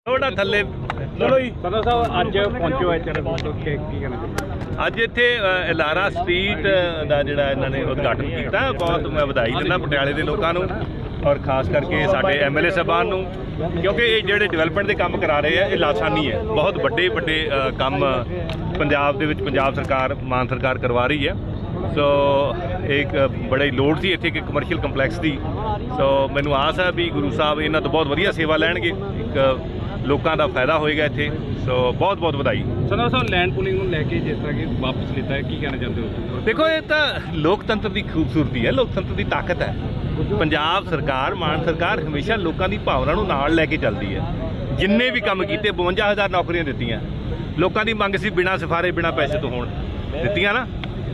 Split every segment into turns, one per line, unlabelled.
थोड़ा थल्ले
चलो जी सदर साहब अज पहुंचे हो की कहना
ਅੱਜ ਇੱਥੇ ਲਾਰਾ ਸਟਰੀਟ ਦਾ ਜਿਹੜਾ ਇਹਨਾਂ ਨੇ ਉਦਘਾਟਨ ਕੀਤਾ ਬਹੁਤ ਮੈਂ ਵਧਾਈ ਦਿੰਦਾ ਪਟਿਆਲੇ ਦੇ ਲੋਕਾਂ ਨੂੰ ਔਰ ਖਾਸ ਕਰਕੇ ਸਾਡੇ ਐਮਐਲਏ ਸਾਹਿਬਾਨ ਨੂੰ ਕਿਉਂਕਿ ਇਹ ਜਿਹੜੇ ਡਿਵੈਲਪਮੈਂਟ ਦੇ ਕੰਮ ਕਰਾ ਰਹੇ ਆ ਇਹ ਲਾਸਾਨੀ ਹੈ ਬਹੁਤ ਵੱਡੇ ਵੱਡੇ ਕੰਮ ਪੰਜਾਬ ਦੇ ਵਿੱਚ ਪੰਜਾਬ ਸਰਕਾਰ ਮਾਨ ਸਰਕਾਰ ਕਰਵਾ ਰਹੀ ਹੈ ਸੋ ਇੱਕ ਬੜੀ ਲੋੜ ਸੀ ਇੱਥੇ ਇੱਕ ਕਮਰਸ਼ੀਅਲ ਕੰਪਲੈਕਸ ਦੀ ਸੋ ਮੈਨੂੰ ਆਸ ਹੈ ਵੀ ਗੁਰੂ ਸਾਹਿਬ ਇਹਨਾਂ ਤੋਂ ਬਹੁਤ ਵਧੀਆ ਸੇਵਾ ਲੈਣਗੇ ਇੱਕ ਲੋਕਾਂ ਦਾ ਫਾਇਦਾ ਹੋਏਗਾ ਇੱਥੇ ਸੋ ਬਹੁਤ ਬਹੁਤ ਵਧਾਈ
ਸਦਰ ਸਾਹਿਬ ਲੈਂਡ ਪੂਲਿੰਗ ਨੂੰ ਲੈ ਕੇ ਜਿਸ ਤਰ੍ਹਾਂ ਕਿ ਵਾਪਸ ਲਿੱਤਾ ਹੈ ਕੀ ਕਹਿਣਾ ਚਾਹੁੰਦੇ ਹੋ
ਦੇਖੋ ਇਹ ਤਾਂ ਲੋਕਤੰਤਰ ਦੀ ਖੂਬਸੂਰਤੀ ਹੈ ਲੋਕਤੰਤਰ ਦੀ ਤਾਕਤ ਹੈ ਪੰਜਾਬ ਸਰਕਾਰ ਮਾਨ ਸਰਕਾਰ ਹਮੇਸ਼ਾ ਲੋਕਾਂ ਦੀ ਭਾਵਨਾ ਨੂੰ ਨਾਲ ਲੈ ਕੇ ਚੱਲਦੀ ਹੈ ਜਿੰਨੇ ਵੀ ਕੰਮ ਕੀਤੇ 52,000 ਨੌਕਰੀਆਂ ਦਿੱਤੀਆਂ ਲੋਕਾਂ ਦੀ ਮੰਗ ਸੀ ਬਿਨਾਂ ਸਿਫਾਰੇ ਬਿਨਾਂ ਪੈਸੇ ਤੋਂ ਹੋਣ ਦਿੱਤੀਆਂ ਨਾ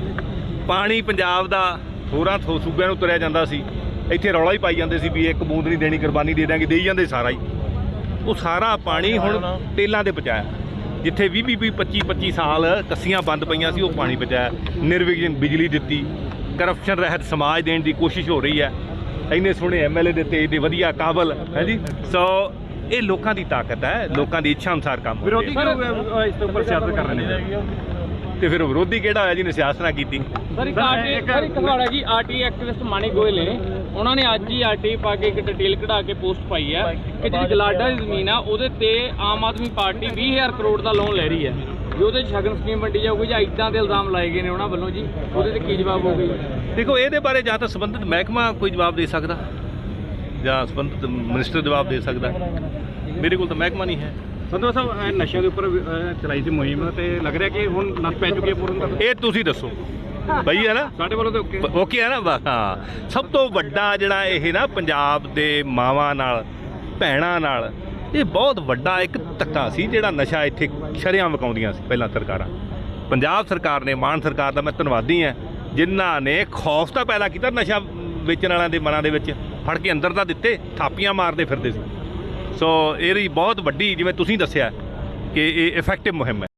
ਪਾਣੀ ਪੰਜਾਬ ਦਾ ਹੋਰਾਂ ਸੂਬਿਆਂ ਨੂੰ ਤੁਰਿਆ ਜਾਂਦਾ ਸੀ ਇੱਥੇ ਰੌਲਾ ਹੀ ਪਾਈ ਜਾਂਦੇ ਸੀ ਵੀ ਇੱਕ ਬੂੰਦ ਨਹੀਂ ਦੇਣੀ ਕੁਰਬਾਨੀ ਦੇ ਦਾਂਗੇ ਦੇਈ ਜਾਂਦੇ ਸਾਰਾ ਹੀ ਉਹ ਸਾਰਾ ਪਾਣੀ ਹੁਣ ਟੇਲਾਂ 'ਤੇ ਪਹੁੰਚਾਇਆ ਜਿੱਥੇ 20-25 ਸਾਲ ਕੱਸੀਆਂ ਬੰਦ ਪਈਆਂ ਸੀ ਉਹ ਪਾਣੀ ਪਹੁੰਚਾਇਆ ਨਿਰਵਿਘਨ ਬਿਜਲੀ ਦਿੱਤੀ ਕਰਪਸ਼ਨ ਰਹਿਤ ਸਮਾਜ ਦੇਣ ਦੀ ਕੋਸ਼ਿਸ਼ ਹੋ ਰਹੀ ਹੈ ਇੰਨੇ ਸੋਹਣੇ ਐਮਐਲਏ ਦਿੱਤੇ ਇੰਨੇ ਵਧੀਆ ਕਾਬਲ ਹੈ ਜੀ ਸੋ ਇਹ ਲੋਕਾਂ ਦੀ ਤਾਕਤ ਹੈ ਲੋਕਾਂ ਦੀ ਇੱਛਾ ਅਨੁਸਾਰ ਕੰਮ
ਵਿਰੋਧੀ ਇਸ ਤੋਂ ਉੱਪਰ ਸਿਆਸਤ ਕਰ ਰਹੇ ਨੇ
ਤੇ ਫਿਰ ਵਿਰੋਧੀ ਕਿਹੜਾ ਹੋਇਆ ਜਿਹਨੇ ਸਿਆਸਤ ਨਾ ਕੀਤੀ
ਸਰ ਇੱਕ ਸਵਾਲ ਹੈ ਜੀ ਆਰਟੀ ਐਕਟਿਵਿਸਟ ਮਾਨੀ ਗੋਇਲ ਨੇ ਉਹਨਾਂ ਨੇ ਅੱਜ ਹੀ ਆਰਟੀ ਪਾ ਕੇ ਇੱਕ ਡਿਟੇਲ ਕਢਾ ਕੇ ਪੋਸਟ ਪਾਈ ਹੈ ਕਿ ਜਿਹੜੀ ਗਲਾਡਾ ਦੀ ਜ਼ਮੀਨ ਆ ਉਹਦੇ ਤੇ ਆਮ ਆਦਮੀ ਪਾਰਟੀ 20,000 ਕਰੋੜ ਦਾ ਲੋਨ ਲੈ ਰਹੀ ਹੈ ਜੇ ਉਹਦੇ ਸ਼ਗਨ ਸਕੀਮ ਵੰਡੀ ਜਾਊਗੀ ਜਾਂ ਇੱਦਾਂ ਦੇ ਇਲਜ਼ਾਮ ਲਾਏ ਗਏ ਨੇ ਉਹਨਾਂ ਵੱਲੋਂ ਜੀ ਉਹਦੇ ਤੇ ਕੀ ਜਵਾਬ ਹੋਊਗਾ
ਦੇਖੋ ਇਹਦੇ ਬਾਰੇ ਜਾਂ ਤਾਂ ਸੰਬੰਧਿਤ ਮਹਿਕਮਾ ਕੋਈ ਜਵਾਬ ਦੇ ਸਕਦਾ ਜਾਂ ਸੰਬੰਧਿਤ ਮਿਨਿਸਟਰ ਜਵਾਬ ਦੇ ਸਕਦਾ ਮੇਰੇ ਕੋਲ ਤਾਂ ਮਹਿਕਮਾ ਨਹੀਂ ਹੈ
ਸੰਧੂ ਸਾਹਿਬ ਨਸ਼ਿਆਂ ਦੇ ਉੱਪਰ ਚਲਾਈ ਸੀ ਮੁਹਿੰਮ ਤੇ ਲੱਗ ਰਿਹਾ ਕਿ ਹੁਣ ਨੱਥ ਪੈ ਚੁੱਕੀ ਹੈ ਪੂਰਨ
ਇਹ ਤੁਸੀਂ ਦੱਸੋ ਬਈ ਹੈ ਨਾ
ਸਾਡੇ ਵੱਲੋਂ ਤਾਂ
ਓਕੇ ਹੈ ਨਾ ਹਾਂ ਸਭ ਤੋਂ ਵੱਡਾ ਜਿਹੜਾ ਇਹ ਨਾ ਪੰਜਾਬ ਦੇ ਮਾਵਾਂ ਨਾਲ ਭੈਣਾਂ ਨਾਲ ਇਹ ਬਹੁਤ ਵੱਡਾ ਇੱਕ ਧੱਕਾ ਸੀ ਜਿਹੜਾ ਨਸ਼ਾ ਇੱਥੇ ਸ਼ਰੇਆਮ ਵਿਕਾਉਂਦੀਆਂ ਸੀ ਪਹਿਲਾਂ ਸਰਕਾਰਾਂ ਪੰਜਾਬ ਸਰਕਾਰ ਨੇ ਮਾਨ ਸਰਕਾਰ ਦਾ ਮੈਂ ਧੰਨਵਾਦੀ ਹਾਂ ਜਿਨ੍ਹਾਂ ਨੇ ਖੌਫ ਤਾਂ ਪੈਦਾ ਕੀਤਾ ਨਸ਼ਾ ਵੇਚਣ ਵਾਲਿਆਂ ਦੇ ਮਨਾਂ ਦੇ ਵਿੱਚ ਫੜ ਕੇ ਅੰਦਰ ਤਾਂ ਦਿੱਤੇ ਥਾਪੀਆਂ ਮਾਰਦੇ ਫਿਰਦੇ ਸੀ ਸੋ ਇਹਦੀ ਬਹੁਤ ਵੱਡੀ ਜਿਵੇਂ ਤੁਸੀਂ ਦੱਸਿਆ ਕਿ ਇਹ ਇਫੈਕਟਿਵ ਮੁਹਿੰਮ ਹੈ